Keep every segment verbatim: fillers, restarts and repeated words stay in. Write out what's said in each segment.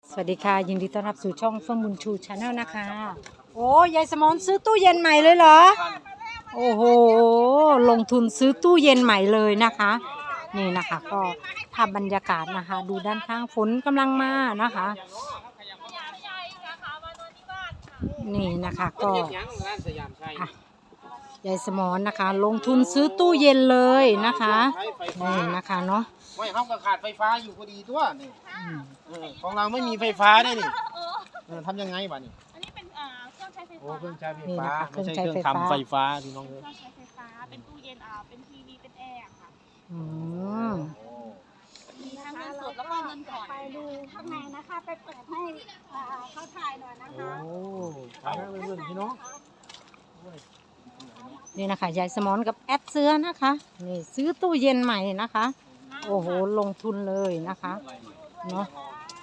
สวัสดีค่ะยินดีต้อนรับสู่ช่องเฟื่องบุญชูชาแนลนะคะโอ้ยายสมรซื้อตู้เย็นใหม่เลยเหรอโอ้โหลงทุนซื้อตู้เย็นใหม่เลยนะคะนี่นะคะก็ภาพบรรยากาศนะคะดูด้านข้างฝนกำลังมานะคะนี่นะคะก็ยายสมรนะคะลงทุนซื้อตู้เย็นเลยนะคะนี่นะคะเนาะไม่เขาก็ขาดไฟฟ้าอยู่พอดีตัวนี่ของเราไม่มีไฟฟ้าได้นี่ทำยังไงบ้านี่อันนี้เป็นเครื่องใช้ไฟฟ้าโอ้เครื่องใช้ไฟฟ้าไม่ใช่เครื่องทำไฟฟ้าพี่น้องเลยเครื่องใช้ไฟฟ้าเป็นตู้เย็นอ่าเป็นทีวีเป็นแอร์ค่ะอืมมีทั้งเงินสดแล้วก็เงินผ่อนไปดูข้างในนะคะไปเปิดให้เขาถ่ายหน่อยนะคะโอ้ถ่ายให้เพื่อนพี่น้องนี่นะคะยายสมรกับแอดเสื้อนะคะนี่ซื้อตู้เย็นใหม่นะคะโอ้โหลงทุนเลยนะคะเนาะ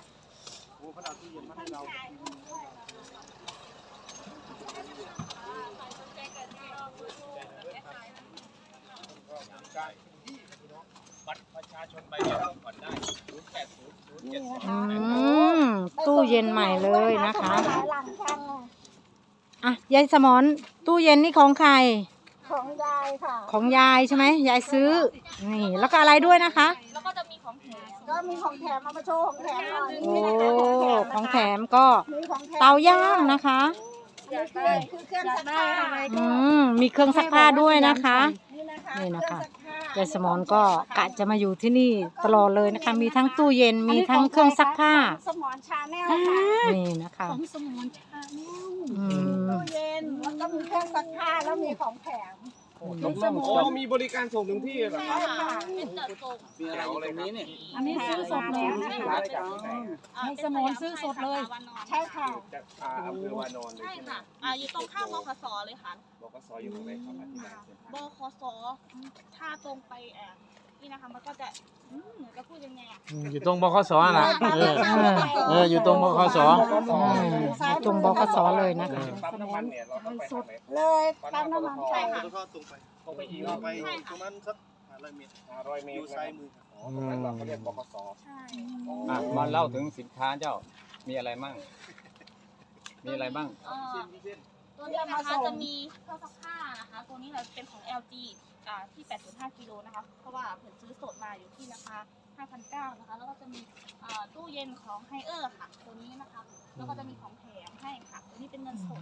อืมตู้เย็นใหม่เลยนะคะอ่ะยายสมรตู้เย็นนี่ของใครของยายค่ะของยายใช่ไหมยายซื้อนี่แล้วก็อะไรด้วยนะคะแล้วก็จะมีของแถมก็มีของแถมมาโชว์ของแถมหน่อยโอ้ของแถมก็เตาย่างนะคะคือเครื่องซักผ้าอืมมีเครื่องซักผ้าด้วยนะคะนี่นะคะยายสมรก็กะจะมาอยู่ที่นี่ตลอดเลยนะคะมีทั้งตู้เย็นมีทั้งเครื่องซักผ้าสมรชาแนลค่ะนี่นะคะของสมรชาแนลตู้เย็นแล้วก็มีเครื่องซักผ้าแล้วมีของแถมโอ้มีบริการส่งถึงที่เหรอครับเป็นจัดส่งมีอะไรอยู่ตรงนี้เนี่ยอันนี้ซื้อสดแล้วนะคะให้สมรซื้อสดเลยใช่ค่ะจากอำเภอวานอนเลยใช่ค่ะอ่าอยู่ตรงข้ามบขสเลยค่ะบขสอยู่ตรงไหนครับอธิบายบขสถ้าตรงไปแอบนี่นะคะมันก็จะเหมือนจะพูดยังไงอ่ะอยู่ตรงบขสนะเออเอออยู่ตรงบขสตรงบขสเลยนะคะปั๊มน้ำมันเนี่ยเราต้องไปทางไหนเลยปั๊มน้ำมันใช่ค่ะตรงไปตรงไปอีกไปประมาณสักห้าร้อยเมตรห้าร้อยเมตรอยู่ซ้ายมืออ๋อตรงนั้นเราเขาเรียกบขสใช่มาเล่าถึงสินค้าเจ้ามีอะไรบ้างมีอะไรบ้างตัวนี้นะคะจะมีเครื่องซักผ้านะคะตัวนี้เราเป็นของ แอล จี อ่าที่ แปดจุดห้า กิโลนะคะเพราะว่าเพิ่นซื้อสดมาอยู่ที่ราคา ห้าพันเก้าร้อย นะคะแล้วก็จะมีอ่าตู้เย็นของไฮเออร์ค่ะตัวนี้นะคะแล้วก็จะมีของแถมให้ค่ะตัวนี้เป็นเงินสด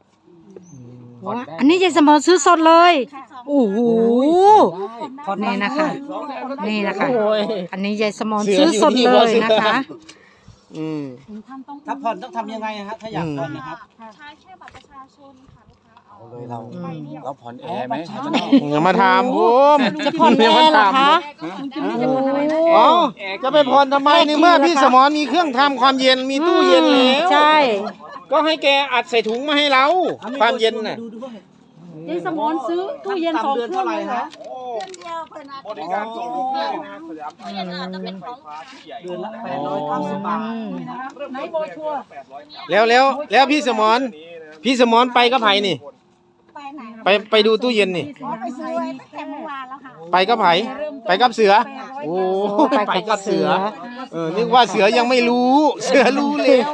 อันนี้ยายสมรซื้อสดเลยโอ้โหนี่นะคะนี่นะคะอันนี้ยายสมรซื้อสดเลยนะคะอืมถ้าผ่อนต้องทำยังไงฮะถ้าอยากผ่อนนะครับใช้แค่บัตรประชาชนค่ะลูกค้าเอาเลยเราเราผ่อนแอร์ไหมอย่ามาถามผมจะผ่อนแอร์เหรอคะอ๋อจะไปผ่อนทำไมในเมื่อพี่สมรมีเครื่องทำความเย็นมีตู้เย็นแล้วใช่ก็ให้แกอัดใส่ถุงมาให้เราความเย็นน่ะยายสมรซื้อตู้เย็นสองเครื่องเลยเหรอเครื่องเดียวเพิ่นอาจจะบริการสองเครื่องนะตู้เย็นจะเป็นของลูกค้าเดือนละแปดร้อยเก้าสิบบาทไหนโบชัวแล้วแล้วแล้วพี่สมรพี่สมรไปก็ไผ่นี่ไปไหนไปไปดูตู้เย็นนี่ไปซื้อไว้ตั้งแต่เมื่อวานแล้วค่ะไปก็ไผ่ไปกับเสือโอ้ไปกับเสือเออนึกว่าเสือยังไม่รู้เสือรู้แล้ว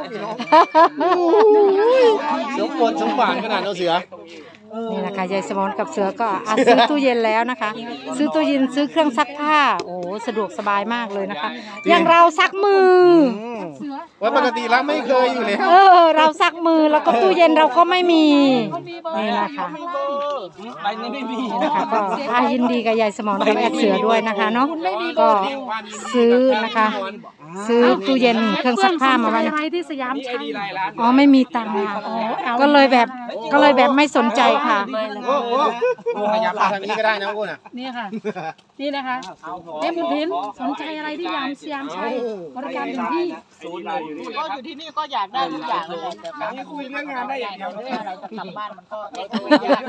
สมบูรณ์สมบัติขนาดเอาเสือนี่นะคะยายสมรกับเสือก็อาซื้อตู้เย็นแล้วนะคะซื้อตู้เย็นซื้อเครื่องซักผ้าโอ้สะดวกสบายมากเลยนะคะอย่างเราซักมือว่าปกติแล้วไม่เคยอยู่แล้วเออเราซักมือแล้วก็ตู้เย็นเราก็ไม่มีนี่นะคะไปนี่ไม่มีนะคะก็อายินดีกับยายสมรกับแอดเสือด้วยนะคะเนาะก็ซื้อนะคะซื้อตู้เย็นเครื่องซักผ้ามาไว้ที่สยามชัยอ๋อไม่มีตังค์ก็เลยแบบก็เลยแบบไม่สนใจค่ะโอ้โหขยับทางนี้ก็ได้นะคุณอ่ะนี่ค่ะนี่นะคะเอ็มบุญทินสนใจอะไรที่ยามสยามชัยบริการถึงที่ศูนย์เลยอยู่นี่ก็อยู่ที่นี่ก็อยากได้ทุกอย่างเลยแต่นี่คุยเรื่องงานได้อย่างเดียวเนี่ยเราจะกลับบ้านมันก็ไม่อยาก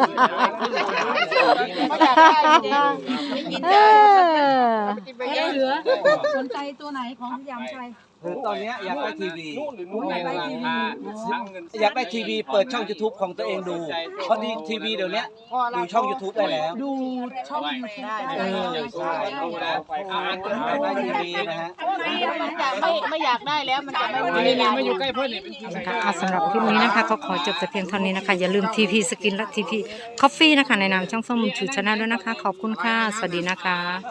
ได้จริงไม่กินได้เสือสนใจตัวไหนของยามชัยคือตอนเนี้ยอยากได้ทีวีอยากได้ทีวีอยากได้ทีวีเปิดช่อง YouTube ของตัวเองดู เพราะดีทีวีเดี๋ยวนี้ดูช่อง YouTube ได้แล้วดูช่องยูทูบเออใช่อยากได้ทีวีนะฮะมันจะไม่ไม่อยากได้แล้วมันจะไม่อันนี้ไม่อยู่ใกล้เพื่อนนี่เป็นทีนะคะอ่ะสำหรับคลิปนี้นะคะก็ขอจบแต่เพียงเท่านี้นะคะ อย่าลืมทีพีสกินและทีพีคอฟฟี่นะคะในนามช่องเฟื่องบุญชูชาแนลด้วยนะคะ ขอบคุณค่ะ สวัสดีนะคะ